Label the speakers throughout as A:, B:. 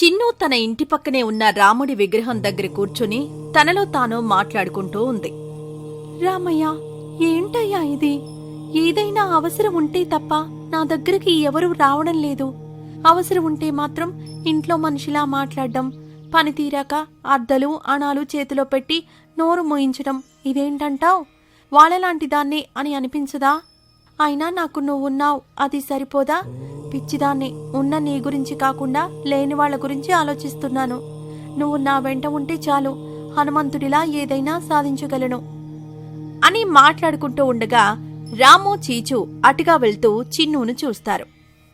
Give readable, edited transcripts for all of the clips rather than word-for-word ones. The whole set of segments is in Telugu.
A: చిన్ను తన ఇంటి పక్కనే ఉన్న రాముడి విగ్రహం దగ్గర కూర్చుని తనలో తాను మాట్లాడుకుంటూ ఉంది. రామయ్య, ఏంటయ్యా ఇది? ఏదైనా అవసరం ఉంటే తప్ప నా దగ్గరికి ఎవరూ రావడం లేదు. అవసరం ఉంటే మాత్రం ఇంట్లో మనిషిలా మాట్లాడడం, పని తీరాక అద్దలు అణాలు చేతిలో పెట్టి నోరు మోయించడం, ఇదేంటంటావ్? వాళ్ళలాంటి దాన్ని అని అనిపించదా? అయినా నాకు నువ్వున్నావు, అది సరిపోదా? పిచ్చిదాన్ని, ఉన్న నీ గురించి కాకుండా లేని వాళ్ల గురించి ఆలోచిస్తున్నాను. నువ్వు నా వెంట ఉంటే చాలు, హనుమంతుడిలా ఏదైనా సాధించగలను అని మాట్లాడుకుంటూ ఉండగా రాము, చీచు అటుగా వెళ్తూ చిన్నును చూస్తారు.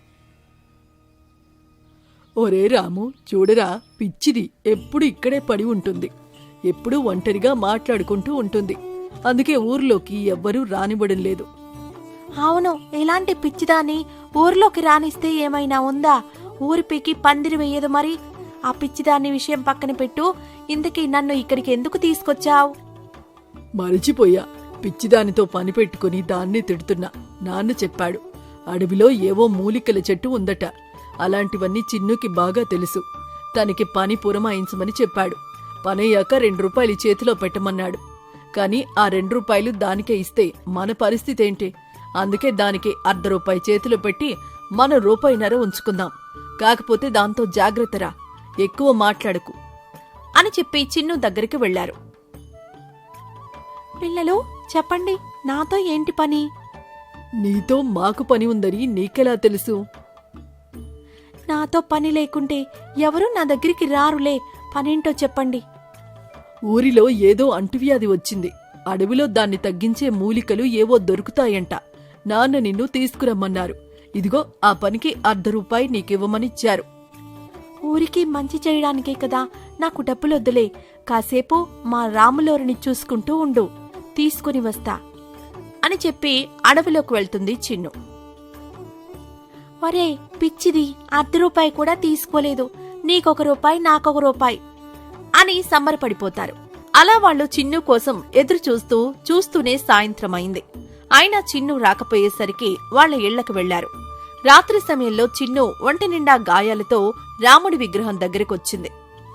B: ఒరే రాము, చూడరా, పిచ్చిది ఎప్పుడు ఇక్కడే పడి ఉంటుంది. ఎప్పుడూ ఒంటరిగా మాట్లాడుకుంటూ ఉంటుంది. అందుకే ఊర్లోకి ఎవ్వరూ రానివ్వడం లేదు.
A: అవును, ఇలాంటి పిచ్చిదాన్ని ఊర్లోకి రానిస్తే ఏమైనా ఉందా? ఊరి పీకి పందిరి వెయ్యదు మరి. ఆ పిచ్చిదాన్ని విషయం పక్కన పెట్టు. ఇంతకీ నన్ను ఇక్కడికి ఎందుకు తీసుకొచ్చావు?
B: మరిచిపోయా, పిచ్చిదానితో పని పెట్టుకుని దాన్ని తిడుతున్నా. నాన్న చెప్పాడు, అడవిలో ఏవో మూలికల చెట్టు ఉందట. అలాంటివన్నీ చిన్నుకి బాగా తెలుసు. తనకి పని పురమాయించమని చెప్పాడు. పనయ్యాక 2 రూపాయలు చేతిలో పెట్టమన్నాడు. కాని ఆ 2 రూపాయలు దానికే ఇస్తే మన పరిస్థితేంటి? అందుకే దానికి ₹1 చేతిలో పెట్టి మన రూపాయిన్నర ఉంచుకుందాం. కాకపోతే దాంతో జాగ్రత్తరా, ఎక్కువ మాట్లాడకు
A: అని చెప్పి చిన్ను దగ్గరికి వెళ్లారు. పిల్లలు చెప్పండి, నాతో ఏంటి పని?
B: నీతో మాకు పని ఉందని నీకెలా తెలుసు?
A: నాతో పని లేకుంటే ఎవరూ నా దగ్గరికి రారులే. పనేంటో చెప్పండి.
B: ఊరిలో ఏదో అంటువ్యాధి వచ్చింది. అడవిలో దాన్ని తగ్గించే మూలికలు ఏవో దొరుకుతాయంట. నాన్న నిన్ను తీసుకురమ్మన్నారు. ఇదిగో ఆ పనికి ₹1 నీకివ్వమనిచ్చారు.
A: ఊరికి మంచి చేయడానికే కదా, నాకు డబ్బులొద్దులే. కాసేపు మా రాములోరిని చూసుకుంటూ ఉండు, తీసుకుని వస్తా అని చెప్పి అడవిలోకి వెళ్తుంది చిన్ను. వరే పిచ్చిది, ₹1 కూడా తీసుకోలేదు. నీకొక నాకొక రూపాయి అని సంబరపడిపోతారు. అలా వాళ్లు చిన్ను కోసం ఎదురు చూస్తూనే సాయంత్రమైంది. అయినా చిన్ను రాకపోయేసరికి వాళ్ల ఇళ్లకు వెళ్లారు. రాత్రి సమయంలో చిన్ను ఒంటి నిండా గాయాలతో రాముడి విగ్రహం దగ్గరకొచ్చింది.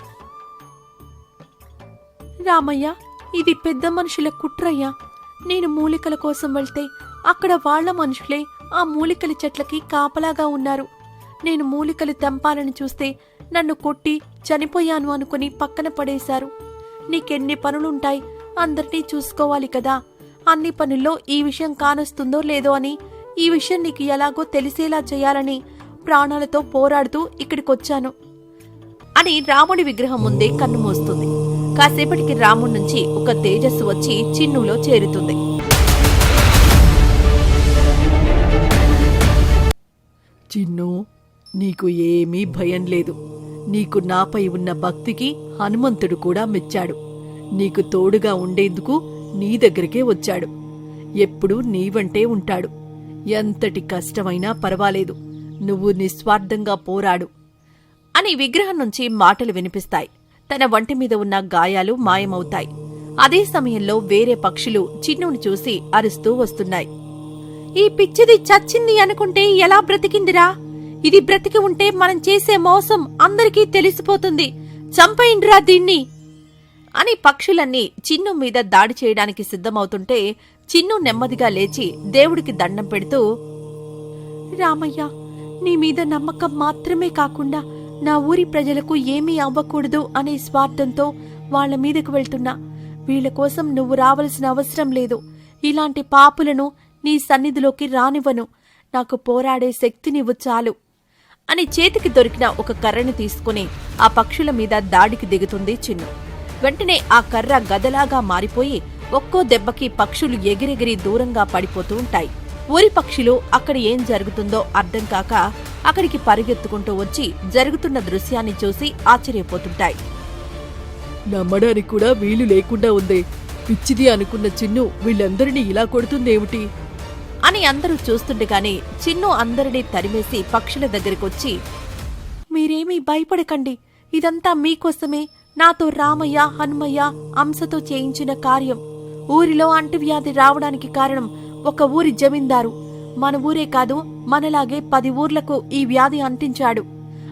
A: రామయ్య, ఇది పెద్ద మనుషుల కుట్రయ్యా. నేను మూలికల కోసం వెళ్తే అక్కడ వాళ్ల మనుషులే ఆ మూలికల చెట్లకి కాపలాగా ఉన్నారు. నేను మూలికలు తెంపాలని చూస్తే నన్ను కొట్టి చనిపోయాను అనుకుని పక్కన పడేశారు. నీకెన్ని పనులుంటాయి, అందరినీ చూసుకోవాలి కదా. అన్ని పనుల్లో ఈ విషయం కానొస్తుందో లేదో అని, ఈ విషయం నీకు ఎలాగో తెలిసేలా చేయాలని ప్రాణాలతో పోరాడుతూ ఇక్కడికొచ్చాను అని రాముడి విగ్రహం ముందే కన్ను మూస్తుంది. కాసేపటికి రాముడి నుంచి ఒక తేజస్సు వచ్చి చిన్నులో చేరుతుంది.
B: చిన్ను, నీకు ఏమీ భయం లేదు. నీకు నాపై ఉన్న భక్తికి హనుమంతుడు కూడా మెచ్చాడు. నీకు తోడుగా ఉండేందుకు నీ దగ్గరికే వచ్చాడు. ఎప్పుడూ నీవంటే ఉంటాడు. ఎంతటి కష్టమైనా పర్వాలేదు, నువ్వు నిస్వార్థంగా పోరాడు అని విగ్రహం నుంచి మాటలు వినిపిస్తాయి. తన వంటి మీద ఉన్న గాయాలు మాయమవుతాయి. అదే సమయంలో వేరే పక్షులు చిన్నును చూసి అరుస్తూ వస్తున్నాయి. ఈ పిచ్చిది చచ్చింది అనుకుంటే ఎలా బ్రతికిందిరా? ఇది బ్రతికి ఉంటే మనం చేసే మోసం అందరికీ తెలిసిపోతుంది. చంపేయండిరా దీన్ని అని పక్షులన్నీ చిన్ను మీద దాడి చేయడానికి సిద్ధమవుతుంటే చిన్ను నెమ్మదిగా లేచి దేవుడికి దండం పెడుతూ, రామయ్య, నీ మీద నమ్మకం మాత్రమే కాకుండా నా ఊరి ప్రజలకు ఏమీ అవ్వకూడదు అనే స్వార్థంతో వాళ్ల మీదకు వెళ్తున్నా. వీళ్ల కోసం నువ్వు రావలసిన అవసరం లేదు. ఇలాంటి పాపులను నీ సన్నిధిలోకి రానివ్వను. నాకు పోరాడే శక్తినివ్వు చాలు అని చేతికి దొరికిన ఒక కర్రని తీసుకుని ఆ పక్షుల మీద దాడికి దిగుతుంది చిన్ను. వెంటనే ఆ కర్ర గదలాగా మారిపోయి ఒక్కో దెబ్బకి పక్షులు ఎగిరెగిరి దూరంగా పడిపోతూ ఉంటాయి. ఊరి పక్షులు అక్కడ ఏం జరుగుతుందో అర్థం కాక అక్కడికి పరిగెత్తుకుంటూ వచ్చి జరుగుతున్న దృశ్యాన్ని చూసి ఆశ్చర్యపోతుంటాయి. నమ్మడానికి కూడా వీలు లేకుండా ఉందే. పిచ్చిది అనుకున్న చిన్ను వీళ్ళందరినీ ఇలా కొడుతుందేమిటి
A: అని అందరూ చూస్తుండగానే చిన్ను అందరినీ తరిమేసి పక్షుల దగ్గరకొచ్చి, మీరేమీ భయపడకండి, ఇదంతా మీకోసమే నాతో రామయ్య, హనుమయ్య, అంశతో చేయించిన కార్యం. ఊరిలో అంటువ్యాధి రావడానికి కారణం ఒక ఊరి జమీందారు. మన ఊరే కాదు, మనలాగే 10 ఊర్లకు ఈ వ్యాధి అంటించాడు.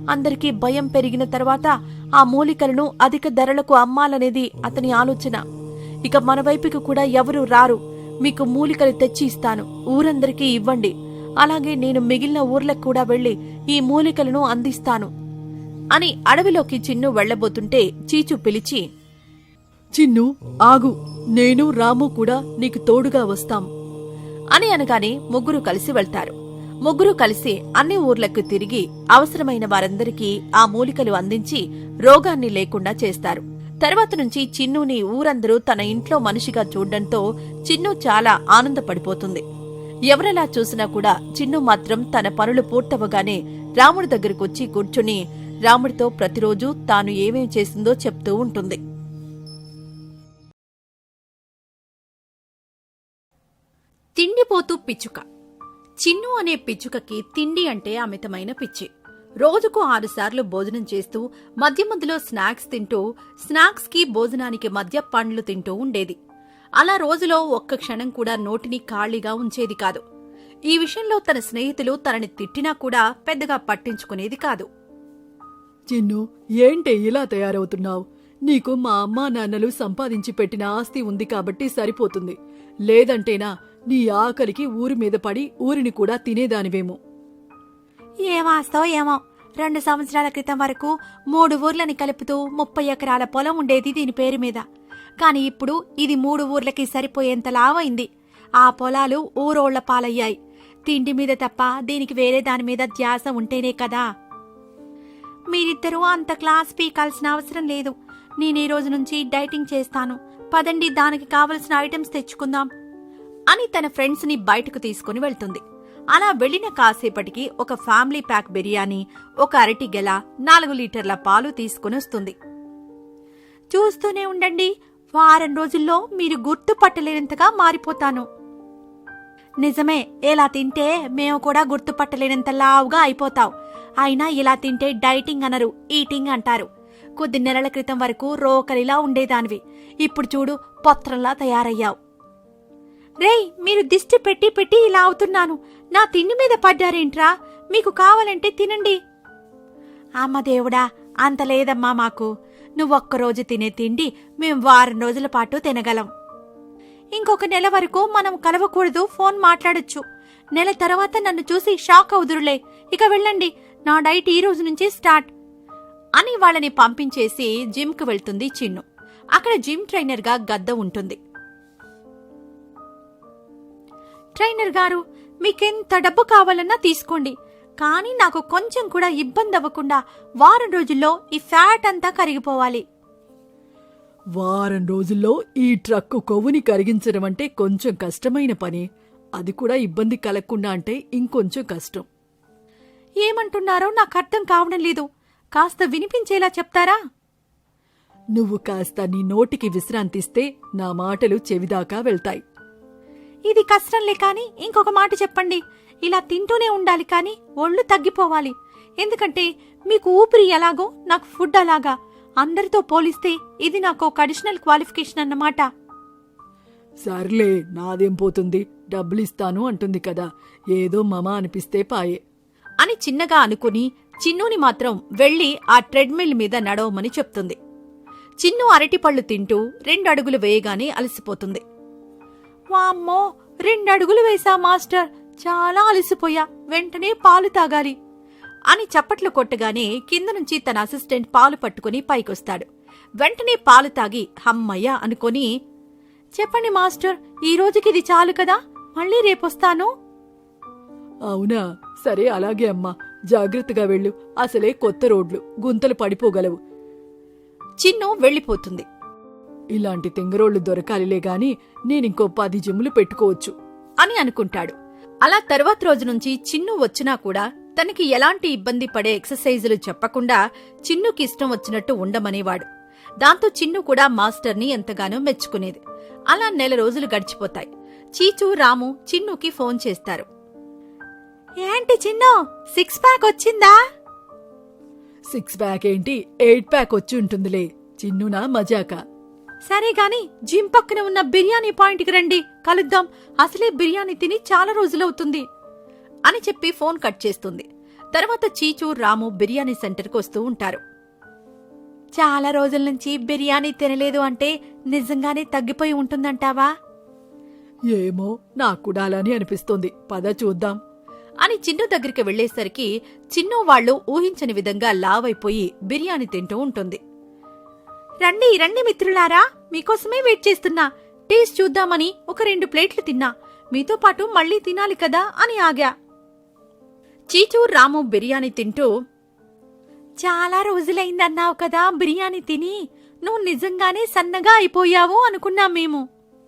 A: అందరికీ భయం పెరిగిన తర్వాత ఆ మూలికలను అధిక ధరలకు అమ్మాలనేది అతని ఆలోచన. ఇక మన వైపుకి కూడా ఎవరూ రారు. మీకు మూలికలు తెచ్చి ఇస్తాను, ఊరందరికీ ఇవ్వండి. అలాగే నేను మిగిలిన ఊర్లకు కూడా వెళ్లి ఈ మూలికలను అందిస్తాను అని అడవిలోకి చిన్ను వెళ్లబోతుంటే చీచు పిలిచి,
B: చిన్ను ఆగు, నేను రాము కూడా నీకు తోడుగా వస్తాం
A: అని అనగానే ముగ్గురు కలిసి వెళ్తారు. ముగ్గురు కలిసి అన్ని ఊర్లకు తిరిగి అవసరమైన వారందరికీ ఆ మూలికలు అందించి రోగాన్ని లేకుండా చేస్తారు. తర్వాత నుంచి చిన్నుని ఊరందరూ తన ఇంట్లో మనిషిగా చూడ్డంతో చిన్ను చాలా ఆనందపడిపోతుంది. ఎవరెలా చూసినా కూడా చిన్ను మాత్రం తన పనులు పూర్తవగానే రాముడి దగ్గరకొచ్చి కూర్చుని రాముడితో ప్రతిరోజు తాను ఏమేం చేసిందో చెప్తూ ఉంటుంది. తిండిపోతూ పిచ్చుక. చిన్ను అనే పిచ్చుకకి తిండి అంటే అమితమైన పిచ్చి. రోజుకు 6 సార్లు భోజనం చేస్తూ మధ్య మధ్యలో స్నాక్స్ తింటూ, స్నాక్స్ కి భోజనానికి మధ్య పండ్లు తింటూ ఉండేది. అలా రోజులో ఒక్క క్షణం కూడా నోటిని ఖాళీగా ఉంచేది కాదు. ఈ విషయంలో తన స్నేహితులు తనని తిట్టినా కూడా పెద్దగా పట్టించుకునేది కాదు.
B: చిన్ను, ఏంటే ఇలా తయారవుతున్నావు? నీకు మా అమ్మా నాన్నలు సంపాదించి పెట్టిన ఆస్తి ఉంది కాబట్టి సరిపోతుంది. లేదంటేనా నీ ఆకలికి ఊరి మీద పడి ఊరిని కూడా తినేదానివేమో.
A: ఏమాస్తో ఏమో, 2 సంవత్సరాల క్రితం వరకు 3 ఊర్లని కలుపుతూ 30 ఎకరాల పొలం ఉండేది దీని పేరు మీద. కాని ఇప్పుడు ఇది 3 ఊర్లకి సరిపోయేంత లావైంది. ఆ పొలాలు ఊరోళ్ల పాలయ్యాయి. తిండి మీద తప్ప దీనికి వేరే దాని మీద ధ్యాస ఉంటేనే కదా. మీరిద్దరూ అంత క్లాస్ పీకాల్సిన అవసరం లేదు. నేనీ రోజు నుంచి డైటింగ్ చేస్తాను. పదండి, దానికి కావలసిన ఐటమ్స్ తెచ్చుకుందాం అని తన ఫ్రెండ్స్ ని బయటకు తీసుకుని వెళ్తుంది. అలా వెళ్లిన కాసేపటికి ఒక ఫ్యామిలీ ప్యాక్ బిర్యానీ, ఒక అరటి గెల, 4 లీటర్ల పాలు తీసుకుని వస్తుంది. చూస్తూనే ఉండండి, వారం రోజుల్లో మీరు గుర్తుపట్టలేనంతగా మారిపోతాను. నిజమే, ఇలా తింటే మేము కూడా గుర్తుపట్టలేనంత లావుగా అయిపోతావు. అయినా ఇలా తింటే డైటింగ్ అనరు, ఈటింగ్ అంటారు. కొద్ది నెలల క్రితం వరకు రోకలిలా ఉండేదానివి, ఇప్పుడు చూడు పొత్రంలా తయారయ్యావు. రేయ్, మీరు దిష్టి పెట్టి పెట్టి ఇలా అవుతున్నాను. నా తిండి మీద పడ్డారేంట్రా? మీకు కావాలంటే తినండి. అమ్మ దేవుడా, అంత లేదమ్మా మాకు. నువ్వొక్కరోజు తినే తిండి మేం వారం రోజుల పాటు తినగలం. ఇంకొక నెల వరకు మనం కలవకూడదు, ఫోన్ మాట్లాడొచ్చు. నెల తర్వాత నన్ను చూసి షాక్ అవుదురులే. ఇక వెళ్ళండి, నా డైట్ ఈ రోజు నుంచి స్టార్ట్ అని వాళ్ళని పంపించేసి జిమ్కు వెళ్తుంది చిన్ను. అక్కడ జిమ్ ట్రైనర్ గా గద్ద ఉంటుంది. ట్రైనర్ గారు, మీకెంత డబ్బు కావాలన్నా తీసుకోండి, కానీ నాకు కొంచెం కూడా ఇబ్బంది అవ్వకుండా వారం రోజుల్లో ఈ ఫ్యాట్ అంతా కరిగిపోవాలి.
B: వారం రోజుల్లో ఈ ట్రక్కు కొవ్వుని కరిగించడం అంటే కొంచెం కష్టమైన పని. అది కూడా ఇబ్బంది కలగకుండా అంటే ఇంకొంచెం కష్టం.
A: ఏమంటున్నారో నాకు అర్థం కావడం లేదు. కాస్త వినిపించేలా చెప్తారా?
B: నువ్వు కాస్త నీ నోటికి విశ్రాంతిస్తే నా మాటలు చెవిదాకా వెళ్తాయి.
A: ఇది కష్టంలే కాని ఇంకొక మాట చెప్పండి. ఇలా తింటూనే ఉండాలి కాని ఒళ్ళు తగ్గిపోవాలి. ఎందుకంటే మీకు ఊపిరి ఎలాగో నాకు ఫుడ్ అలాగా. అందరితో పోలిస్తే ఇది నాకు ఒక అడిషనల్ క్వాలిఫికేషన్ అన్నమాట.
B: సర్లే, నాదేం పోతుంది, డబ్బులిస్తాను అంటుంది కదా, ఏదో మమ అనిపిస్తే పాయే
A: అని చిన్నగా అనుకుని చిన్నుని మాత్రం వెళ్లి ఆ ట్రెడ్మిల్ మీద నడవమని చెప్తుంది. చిన్ను అరటిపళ్ళు తింటూ 2 అడుగులు వేయగానే అలసిపోతుంది. వామ్మో, 2 అడుగులు వేసా మాస్టర్, చాలా అలసిపోయా, వెంటనే పాలు తాగాలి అని చప్పట్లు కొట్టగానే కింద నుంచి తన అసిస్టెంట్ పాలు పట్టుకుని పైకొస్తాడు. వెంటనే పాలు తాగి హమ్మయ్య అనుకొని, చెప్పండి మాస్టర్, ఈ రోజుకిది చాలు కదా, మళ్ళీ రేపొస్తాను.
B: అవునా, సరే అలాగే అమ్మా, జాగ్రత్తగా వెళ్ళు. అసలే కొత్త రోడ్లు, గుంతలు పడిపోగలవు.
A: చిన్ను వెళ్లిపోతుంది.
B: ఇలాంటి తెంగరోళ్లు దొరకాలిలే గాని నేనింకో 10 జిమ్లు పెట్టుకోవచ్చు
A: అని అనుకుంటాడు. అలా తర్వాత రోజు నుంచి చిన్ను వచ్చినా కూడా తనకి ఎలాంటి ఇబ్బంది పడే ఎక్సర్సైజులు చెప్పకుండా చిన్నుకి ఇష్టం వచ్చినట్టు ఉండమనేవాడు. దాంతో చిన్ను కూడా మాస్టర్ని ఎంతగానో మెచ్చుకునేది. అలా నెల రోజులు గడిచిపోతాయి. చీచు, రాము చిన్నుకి ఫోన్ చేస్తారు. ఏంటి చిన్ను, 6 ప్యాక్ వచ్చిందా?
B: 6 ప్యాక్ ఏంటి, 8 ప్యాక్ వచ్చి ఉంటుందిలే. చిన్నునా మజాక.
A: సరే గాని జిమ్ పక్కన ఉన్న బిర్యానీ పాయింట్కి రండి, కలుద్దాం. అసలే బిర్యానీ తిని చాలా రోజులవుతుంది అని చెప్పి ఫోన్ కట్ చేస్తుంది. తర్వాత చీచూ రాము బిర్యానీ సెంటర్కి వస్తూ ఉంటారు. చాలా రోజుల నుంచి బిర్యానీ తినలేదు అంటే నిజంగానే తగ్గిపోయి ఉంటుందంటావా
B: ఏమో నాకు కూడా అలానే అనిపిస్తోంది. పద చూద్దాం
A: అని చిన్ను దగ్గరికి వెళ్లేసరికి చిన్ను వాళ్లు ఊహించని విధంగా లావైపోయి బిర్యానీ తింటూ ఉంటుంది. రండి రండి మిత్రులారా, మీకోసమే వెయిట్ చేస్తున్నా. టేస్ట్ చూద్దామని ఒక 2 ప్లేట్లు తిన్నా. మీతో పాటు మళ్లీ తినాలి కదా అని ఆగా. చీచూ రాము బిర్యానీ తింటూ, చాలా రోజులైందన్నావు కదా బిర్యానీ తిని, నువ్వు నిజంగానే సన్నగా అయిపోయావు అనుకున్నాం మేము.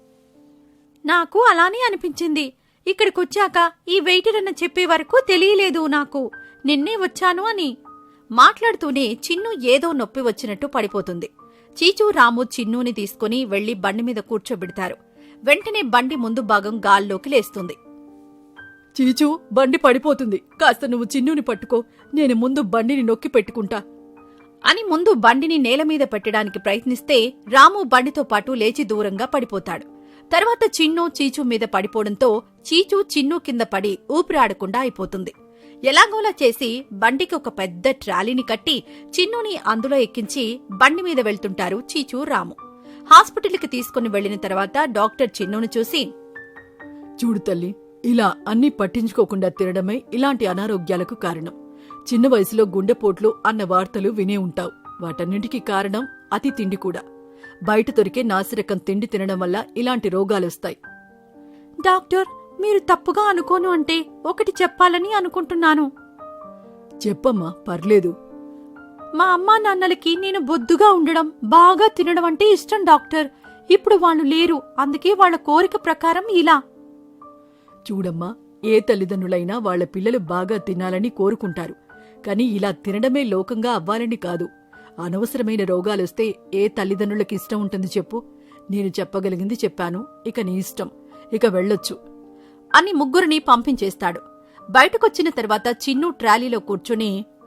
A: నాకు అలానే అనిపించింది. ఇక్కడికొచ్చాక ఈ వెయిటర్ అన్న చెప్పే వరకు తెలియలేదు నాకు నిన్నే వచ్చాను అని. మాట్లాడుతూనే చిన్ను ఏదో నొప్పి వచ్చినట్టు పడిపోతుంది. చీచూ రాము చిన్నూని తీసుకుని వెళ్లి బండి మీద కూర్చోబెడతారు. వెంటనే బండి ముందు భాగం గాల్లోకి లేస్తుంది.
B: చీచూ, బండి పడిపోతుంది. కాస్త నువ్వు చిన్నుని పట్టుకో, నేను ముందు బండిని నొక్కి పెట్టుకుంటా
A: అని ముందు బండిని నేలమీద పెట్టడానికి ప్రయత్నిస్తే రాము బండితో పాటు లేచి దూరంగా పడిపోతాడు. తర్వాత చిన్ను చీచూ మీద పడిపోవడంతో చీచూ చిన్ను కింద పడి ఊపిరాడకుండా అయిపోతుంది. ఎలాగోలా చేసి బండికి ఒక పెద్ద ట్రాలీని కట్టి చిన్నుని అందులో ఎక్కించి బండి మీద వెళ్తుంటారు చీచూ రాము. హాస్పిటల్కి తీసుకుని వెళ్లిన తర్వాత డాక్టర్ చిన్నుని చూసి,
B: చూడు తల్లి, ఇలా అన్నీ పట్టించుకోకుండా తినడమే ఇలాంటి అనారోగ్యాలకు కారణం. చిన్న వయసులో గుండెపోట్లు అన్న వార్తలు వినే ఉంటావు. వాటన్నింటికీ కారణం అతి తిండి కూడా. బయట దొరికే నాసిరకం తిండి తినడం వల్ల ఇలాంటి రోగాలొస్తాయి.
A: డాక్టర్, మీరు తప్పుగా అనుకోను అంటే ఒకటి చెప్పాలని అనుకుంటున్నాను.
B: చెప్పమ్మా, పర్లేదు.
A: మా అమ్మా నాన్నలకి నేను బొద్దుగా ఉండడం, బాగా తినడం అంటే ఇష్టం డాక్టర్. ఇప్పుడు వాళ్ళు లేరు, అందుకే వాళ్ల కోరిక ప్రకారం ఇలా.
B: చూడమ్మా, ఏ తల్లిదండ్రులైనా వాళ్ల పిల్లలు బాగా తినాలని కోరుకుంటారు. కాని ఇలా తినడమే లోకంగా అవ్వాలని కాదు. అనవసరమైన రోగాలొస్తే ఏ తల్లిదండ్రులకి ఇష్టం ఉంటుంది చెప్పు? నేను చెప్పగలిగింది చెప్పాను, ఇక నీ ఇష్టం, ఇక వెళ్ళొచ్చు
A: అని ముగ్గురిని పంపించేస్తాడు. బయటకొచ్చిన తర్వాత చిన్ను ట్రాలీలో కూర్చుని,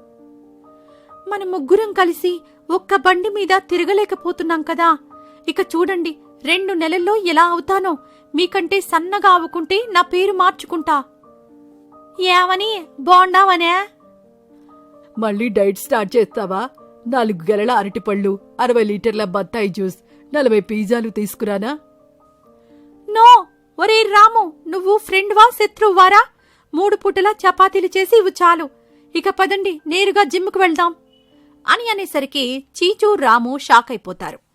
A: మన ముగ్గురం కలిసి ఒక్క బండి మీద తిరగలేకపోతున్నాం కదా. ఇక చూడండి, 2 నెలల్లో ఎలా అవుతానో. మీకంటే సన్నగా అవ్వుకుంటే నా పేరు మార్చుకుంటా. ఏమని బాగుండావనే?
B: మళ్ళీ డైట్ స్టార్ట్ చేస్తావా? 4 గెలల అరటిపళ్ళు, 60 లీటర్ల బత్తాయి జ్యూస్, 40 పిజ్జాలు తీసుకురానా?
A: నో. ఒరే రాము, నువ్వు ఫ్రెండ్వా శత్రువారా? 3 పూటలా చపాతీలు చేసి ఇవి చాలు. ఇక పదండి, నేరుగా జిమ్కు వెళ్దాం అని అనేసరికి చీచూ రాము షాక్ అయిపోతారు.